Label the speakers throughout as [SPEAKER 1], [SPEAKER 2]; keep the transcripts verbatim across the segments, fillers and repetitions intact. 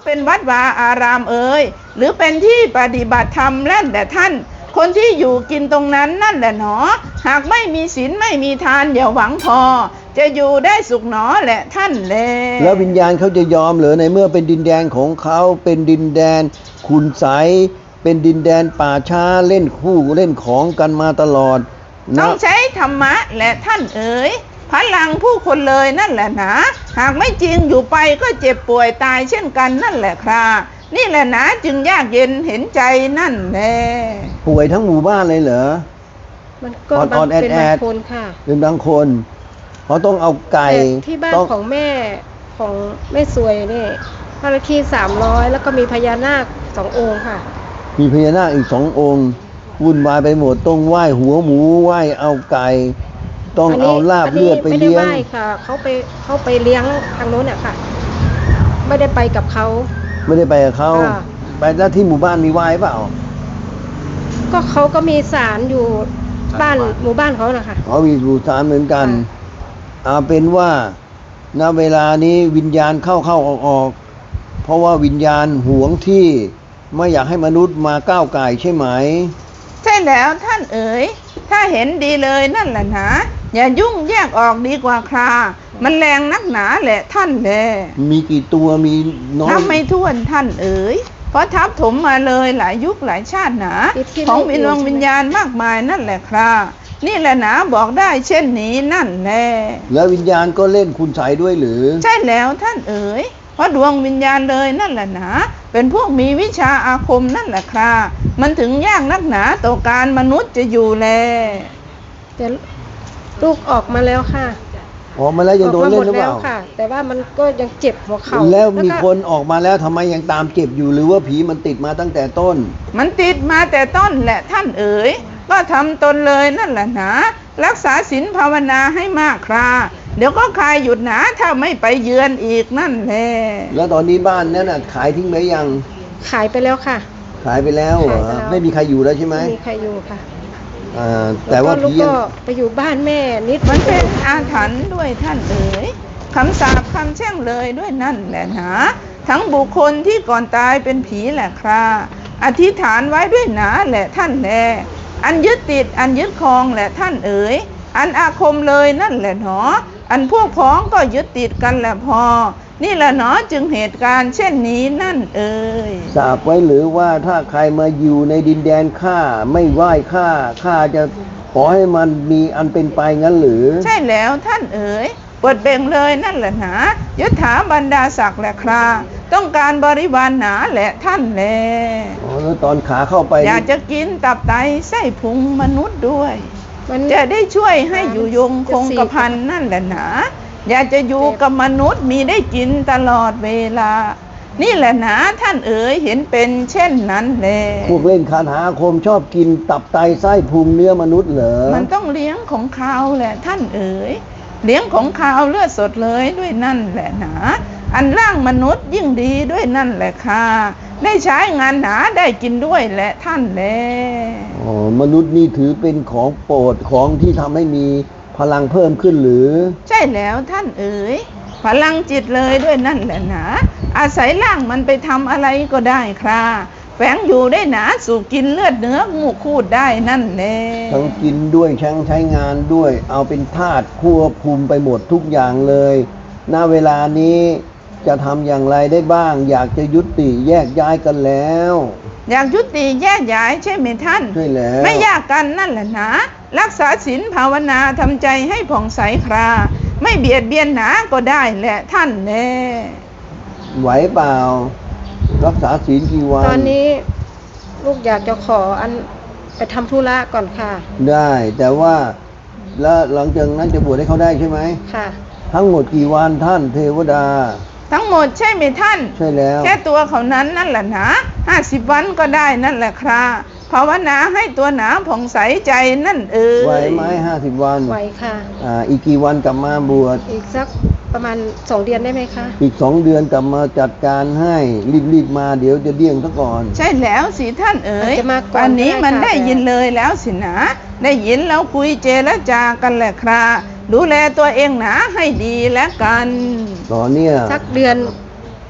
[SPEAKER 1] เป็นวัดวาอารามเอ่ยหรือเป็นที่ปฏิบัติธรรมนั่นแหละท่านคนที่อยู่กินตรงนั้นนั่นแหละหนอหากไม่มีศีลไม่มีทานอย่าหวังพอจะอยู่ได้สุขหนอแหละท่านแล
[SPEAKER 2] แล้ววิญญาณเขาจะยอมเหรอในเมื่อเป็นดินแดนของเขาเป็นดินแดนขุนใสเป็นดินแดนป่าช้าเล่นคู่เล่นของกันมาตลอด
[SPEAKER 1] ต้องใช้ธรรมะแหละท่านเอ๋ยพลังผู้คนเลยนั่นแหละนะหากไม่จริงอยู่ไปก็เจ็บป่วยตายเช่นกันนั่นแหละครับนี่แหละนะจึงยากเย็นเห็นใจนั่นแหละ
[SPEAKER 2] ป่วยทั้งหมู่บ้านเลยเหรอ
[SPEAKER 3] มันก็เป็นบางคนค่ะ
[SPEAKER 2] เป็นบางคนเพราะต้องเอาไก่
[SPEAKER 3] ที่บ้านของแม่ของแม่สวยนี่พระคีสามร้อยแล้วก็มีพญานาคสององค์ค่ะ
[SPEAKER 2] มีพญานาคอีกสององค์วุ่นวายไปหมดต้องไหว้หัวหมูไหว้เอาไก่ต้องเอาลาบเลือดไปเลี้ยง
[SPEAKER 3] ไม่ได้ไหว้ค่ะเขาไปเขาไปเลี้ยงทางโน้นเนี่ยค่ะไม่ได้ไปกับเขา
[SPEAKER 2] ไม่ได้ไปกับเขาไปแล้วที่หมู่บ้านมีไหว้เปล่า
[SPEAKER 3] ก็เขาก็มีศาลอยู่บ้านหมู่บ้านเขานะคะ
[SPEAKER 2] อ๋อมีอยู่ศาลเหมือนกันเอาเป็นว่าณเวลานี้วิญญาณเข้าเข้าออกออกเพราะว่าวิญญาณหวงที่ไม่อยากให้มนุษย์มาก้าวก่ายใช่ไหม
[SPEAKER 1] ใช่แล้วท่านเอ๋ยถ้าเห็นดีเลยนั่นแหละนะอย่ายุ่งแยกออกดีกว่าครามันแรงนักหนาแหละท่านแล
[SPEAKER 2] มีกี่ตัวมีน้อย
[SPEAKER 1] นับไม่ถ้วนท่านเอ๋ยเพราะทับถมมาเลยหลายยุคหลายชาติหนาของวิญญาณวิญญาณมากมายนั่นแหละครานี่แหละนะบอกได้เช่นนี้นั่นแหละ
[SPEAKER 2] แล้ววิญญาณก็เล่นคุณใสด้วยหรือ
[SPEAKER 1] ใช่แล้วท่านเอ๋ยเพราะดวงวิญญาณเลยนั่นแหละนะเป็นพวกมีวิชาอาคมนั่นแหละครามันถึงยากนักหนาต่อการมนุษย์จะอยู่แล
[SPEAKER 3] แต่ลูกออกมาแล้วค่ะ
[SPEAKER 2] ออกมาแล้วยังโดนเล่นหรือเปล่า
[SPEAKER 3] ค่ะแต่ว่ามันก็ยังเจ็บหัวเข่า
[SPEAKER 2] แล้วมีคนออกมาแล้วทำไมยังตามเจ็บอยู่หรือว่าผีมันติดมาตั้งแต่ต้น
[SPEAKER 1] มันติดมาแต่ต้นแหละท่านเอ๋ยก็ทำตนเลยนั่นแหละนะรักษาศีลภาวนาให้มากคราเดี๋ยวก็คลายหยุดหนาถ้าไม่ไปเยือนอีกนั่นแหละ
[SPEAKER 2] แล้วตอนนี้บ้านนั้นน่ะขายทิ้งไหมยัง
[SPEAKER 3] ขายไปแล้วค่ะ
[SPEAKER 2] ขายไปแล้วเหรอไม่มีใครอยู่แล้วใช่ไหม
[SPEAKER 3] ไม่มีใครอยู่ค่ะ
[SPEAKER 2] อ่าแต่ว่า
[SPEAKER 3] พี่ก็ไปอยู่บ้านแม่นิด
[SPEAKER 1] มันเป็นอาถรรพ์ด้วยท่านเอ๋ยคำสาปคำแช่งเลยด้วยนั่นแหละนะทั้งบุคคลที่ก่อนตายเป็นผีแหละคราอธิษฐานไว้ด้วยหนาแหละท่านแลอันยึดติดอันยึดครองแหละท่านเอ๋ยอันอาคมเลยนั่นแหละหนออันพวกพ้องก็ยึดติดกันแหละพอนี่แหละหนอจึงเหตุการณ์เช่นนี้นั่นเอ๋ย
[SPEAKER 2] สาปไว้หรือว่าถ้าใครมาอยู่ในดินแดนข้าไม่ไหว้ข้าข้าจะขอให้มันมีอันเป็นไปงั้นหรือ
[SPEAKER 1] ใช่แล้วท่านเอ๋ยเปิดเบ่งเลยนั่นแหละหนายศถาบรรดาศักดิ์แหละคราต้องการบริวารหนาแหละท่านแล
[SPEAKER 2] อ๋อแล้วตอนขาเข้าไป
[SPEAKER 1] อยากจะกินตับไตไส้พุงมนุษย์ด้วยจะได้ช่วยให้อยู่ยงคงกระพันนั่นแหละหนาอยากจะอยู่กับมนุษย์มีได้กินตลอดเวลานี่แหละนะท่านเอ๋ยเห็นเป็นเช่นนั้นแล
[SPEAKER 2] พวกเล่นคาถาอาคมชอบกินตับไตไส้พุงเนื้อมนุษย์เหรอ
[SPEAKER 1] มันต้องเลี้ยงของคาวแหละท่านเอ๋ยเลี้ยงของคาวเลือดสดเลยด้วยนั่นแหละนะอันร่างมนุษย์ยิ่งดีด้วยนั่นแหละค่ะได้ใช้งานหนาได้กินด้วยแหละท่านแล
[SPEAKER 2] อ๋อมนุษย์นี่ถือเป็นของโปรดของที่ทำให้มีพลังเพิ่มขึ้นหรือ
[SPEAKER 1] ใช่แล้วท่านเอ๋ยพลังจิตเลยด้วยนั่นแหละนะอาศัยร่างมันไปทำอะไรก็ได้ค่ะแฝงอยู่ได้หนาสู่กินเลือดเนื้องูคูดได้นั่นแหละ
[SPEAKER 2] ทั้งกินด้วยทั้งใช้งานด้วยเอาเป็นธาตุควบคุมไปหมดทุกอย่างเลยณเวลานี้จะทำอย่างไรได้บ้างอยากจะยุติแยกย้ายกันแล้ว
[SPEAKER 1] อยากยุติแยกย้ายใช่ไหมท่าน
[SPEAKER 2] ใช่แล้ว
[SPEAKER 1] ไม่ยากกันนั่นแหละนะรักษาศีลภาวนาทำใจให้ผ่องใสคราไม่เบียดเบียนหนาก็ได้แหละท่านแน่
[SPEAKER 2] ไหวเปล่ารักษาศีลกี่วัน
[SPEAKER 3] ตอนนี้ลูกอยากจะขออันไปทำธุระก่อนค่ะ
[SPEAKER 2] ได้แต่ว่าแล้วหลังจากนั้นจะบวชให้เขาได้ใช่ไหม
[SPEAKER 3] ค่ะ
[SPEAKER 2] ทั้งหมดกี่วันท่านเทวดา
[SPEAKER 1] ทั้งหมดใช่ไหมท่าน
[SPEAKER 2] ใช่แล้ว
[SPEAKER 1] แค่ตัวเขานั้นนั่นแหละนะห้าสิบวันก็ได้นั่นแหละคราภาวนาให้ตัวหนาผ่องใสใจนั่นเอ๋ย
[SPEAKER 2] ไหวไหมห้าสิบวัน
[SPEAKER 3] ไหวค่ะ
[SPEAKER 2] อ่าอีกกี่วันกลับมาบวช
[SPEAKER 3] อีกสักประมาณสองเดือนได้ไหมคะ
[SPEAKER 2] อีกสองเดือนกลับมาจัดการให้รีบๆมาเดี๋ยวจะเดี่ยงซะก่อน
[SPEAKER 1] ใช่แล้วสิท่านเอ๋ยวันนี้มันได้ยินเลยแล้วสินะได้ยินแล้วคุยเจรจากันแหละคราดูแลตัวเองหนาให้ดีแล้วกัน
[SPEAKER 2] ตอนเนี้ย
[SPEAKER 3] สักเดือน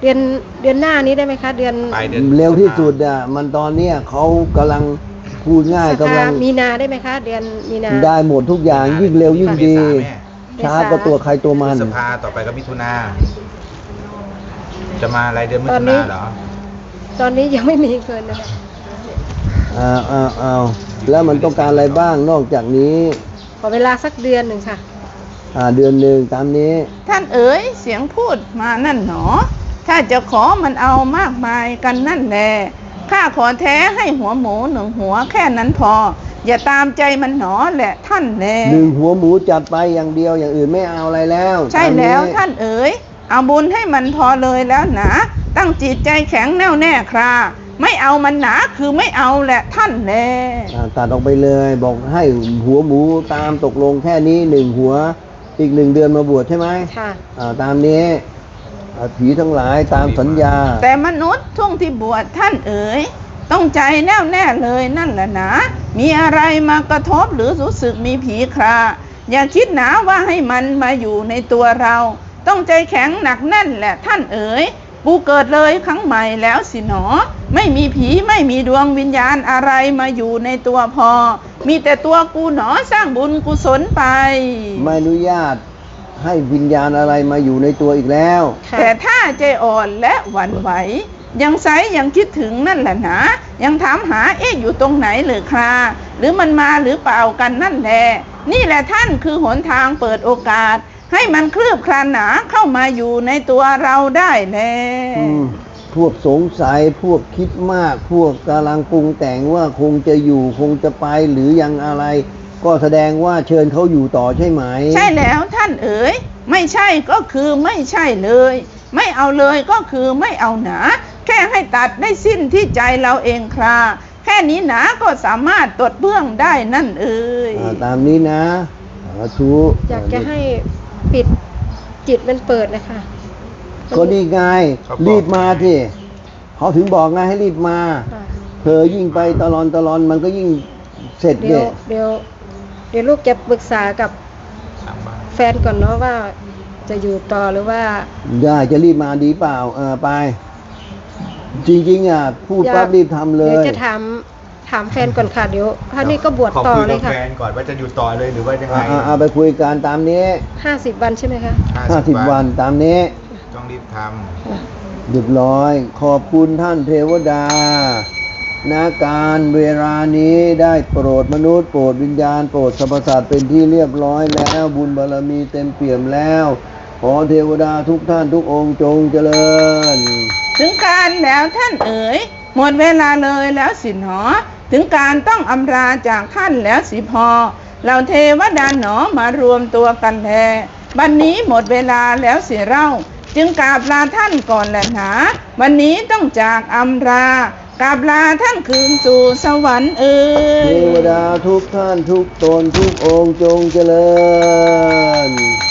[SPEAKER 3] เดือนเดือนหน้านี้ได้ไหมคะ เดือน
[SPEAKER 4] ปลายเดือน
[SPEAKER 2] เร็วที่สุดอ่ะมันตอนเนี้ยเขากำลังพูดง่าย
[SPEAKER 3] ส
[SPEAKER 2] กำ
[SPEAKER 3] ภา
[SPEAKER 2] ลัง
[SPEAKER 3] มีนาได้ไหมคะ เดือนมีนา
[SPEAKER 2] ได้หมดทุกอย่างยิ่งเร็วยิ่งดี
[SPEAKER 4] เมษาแม่
[SPEAKER 2] ช้าก็ตัวใครตัวมัน
[SPEAKER 4] สภาต่อไปก็มิถุนาจะมาอะไรเดือนมิ
[SPEAKER 3] ตอ
[SPEAKER 4] ถุ
[SPEAKER 3] นนี้
[SPEAKER 4] นาเหรอ
[SPEAKER 3] ตอนนี้ยังไม่มีเกินนะคะ
[SPEAKER 2] อ้าวอ้าวอ้าวแล้วมันต้องการอะไรบ้างนอกจากนี้
[SPEAKER 3] ขอเวลาสักเดือนหนึ่งค่ะ
[SPEAKER 2] อ่าเดือนหนึ่งตามนี้
[SPEAKER 1] ท่านเอ๋ยเสียงพูดมานั่นหนอ ถ้าจะขอมันเอามากมายกันนั่นแหละข้าขอแท้ให้หัวหมูหนึ่งหัวแค่นั้นพอ อย่าตามใจมันหนอแหละท่านแล
[SPEAKER 2] หนึ่งหัวหมูจัดไปอย่างเดียวอย่างอื่นไม่เอาอะไรแล้ว
[SPEAKER 1] ใช่
[SPEAKER 2] ตม
[SPEAKER 1] แล้วท่านเอ๋ยเอาบุญให้มันพอเลยแล้วหนะตั้งจิตใจแข็งแน่วแน่คราไม่เอามันหนาคือไม่เอาแหละท่านแล
[SPEAKER 2] อ่าตัดออกไปเลยบอกให้หัวหมูตามตกลงแค่นี้หนึ่งหัวอีกหนึ่งเดือนมาบวชใช่ไหม
[SPEAKER 3] ค่ะ
[SPEAKER 2] อ่าตามนี้อ่าผีทั้งหลายตามสัญญา
[SPEAKER 1] แต่มนุษย์ช่วงที่บวชท่านเอ๋ยต้องใจแน่วแน่เลยนั่นแหละนะมีอะไรมากระทบหรือรู้สึกมีผีคราอย่าคิดหนาว่าให้มันมาอยู่ในตัวเรา ต้องใจแข็งหนักแน่นแหละท่านเอ๋ยกูเกิดเลยครั้งใหม่แล้วสิหนอไม่มีผีไม่มีดวงวิญญาณอะไรมาอยู่ในตัวพอ มีแต่ตัวกูหนอสร้างบุญกุศลไป
[SPEAKER 2] ไม่อนุญาตให้วิญญาณอะไรมาอยู่ในตัวอีกแล้ว
[SPEAKER 3] ค่ะ
[SPEAKER 1] แต่ถ้าใจอ่อนและหวั่นไหวยังใสยังคิดถึงนั่นแหละนะยังถามหาเอ๊ะอยู่ตรงไหนหรือคราหรือมันมาหรือเปล่ากันนั่นแหละนี่แหละท่านคือหนทางเปิดโอกาส ให้มันคลืบคลานหนาเข้ามาอยู่ในตัวเราได้แล้
[SPEAKER 2] อื
[SPEAKER 1] ว
[SPEAKER 2] มพวกสงสัยพวกคิดมาก พวกกำลังปรุงแต่งว่าคงจะอยู่คงจะไปหรือยังอะไร ก็แสดงว่าเชิญเขาอยู่ต่อใช่ไหม
[SPEAKER 1] ใช่แล้วท่านเอ๋ยไม่ใช่ก็คือไม่ใช่เลย ไม่เอาเลยก็คือไม่เอาหนาแค่ให้ตัดได้สิ้นที่ใจเราเองคราแค่นี้หนาก็สามารถตดเบื้องได้นั่นเอ๋ย
[SPEAKER 2] อ่าตามนี้นะสาธุ
[SPEAKER 3] อยากจะให้ปิดจิตมันเปิดนะคะ
[SPEAKER 2] ก็นี่ไง
[SPEAKER 4] เขาบอก
[SPEAKER 2] รีบมาที่เขาถึงบอกไงให้รีบมา
[SPEAKER 3] ค่ะ
[SPEAKER 2] เธอยิ่งไปตลอนตลอนมันก็ยิ่งเสร็จ
[SPEAKER 3] เดี๋ย
[SPEAKER 2] เนี่
[SPEAKER 3] วย เดี๋ยวเดี๋ยวลูกจะปรึกษากับ
[SPEAKER 4] ทางบ้าน
[SPEAKER 3] แฟนก่อนเนาะว่าจะอยู่ต่อหรือว่า
[SPEAKER 2] ได้จะรีบมาดีเปล่าเออไป จริงๆอ่ะพูด
[SPEAKER 3] อยาก
[SPEAKER 2] ปั๊บรีบทำเล
[SPEAKER 3] เดี๋ยวย จะถามถามแฟนก่อนค่ะเดี๋ยวท่านี้ก็บวชต่อเลย
[SPEAKER 4] ข
[SPEAKER 3] ค่ะ
[SPEAKER 4] คุกับแฟนก่อนว่าจะอยู่ต่อเลยหรือว่ายังไง
[SPEAKER 2] อ่าอ่าไปคุยกันตามนี้
[SPEAKER 3] ห้าสิบวันใช่ไหมคะ
[SPEAKER 2] ห้าสิบวันตามนี้
[SPEAKER 4] ต้องรีบท
[SPEAKER 2] เรียบร้อย ขอบคุณท่านเทวดานาการเวลานี้ได้โปรดมนุษย์โปรดวิญญาณโปรดสรรพสัตว์เป็นที่เรียบร้อยแล้วบุญบารมีเต็มเปี่ยมแล้ว ขอเทวดาทุกท่านทุกองค์จงเจริญ
[SPEAKER 1] ถึงการแล้วท่านเอ๋ยหมดเวลาเลยแล้วสิหนอถึงการต้องอำลาจากท่านแล้วสิพอเราเทวดาหนอมารวมตัวกันแลบัดนนี้หมดเวลาแล้วสิเรา จึงกราบลาท่านก่อนแหละหนาวันนี้ต้องจากอำลากราบลาท่านคืนสู่สวรรค์เอ่ย
[SPEAKER 2] เทวดาทุกท่านทุกตนทุกองค์จงเจริญ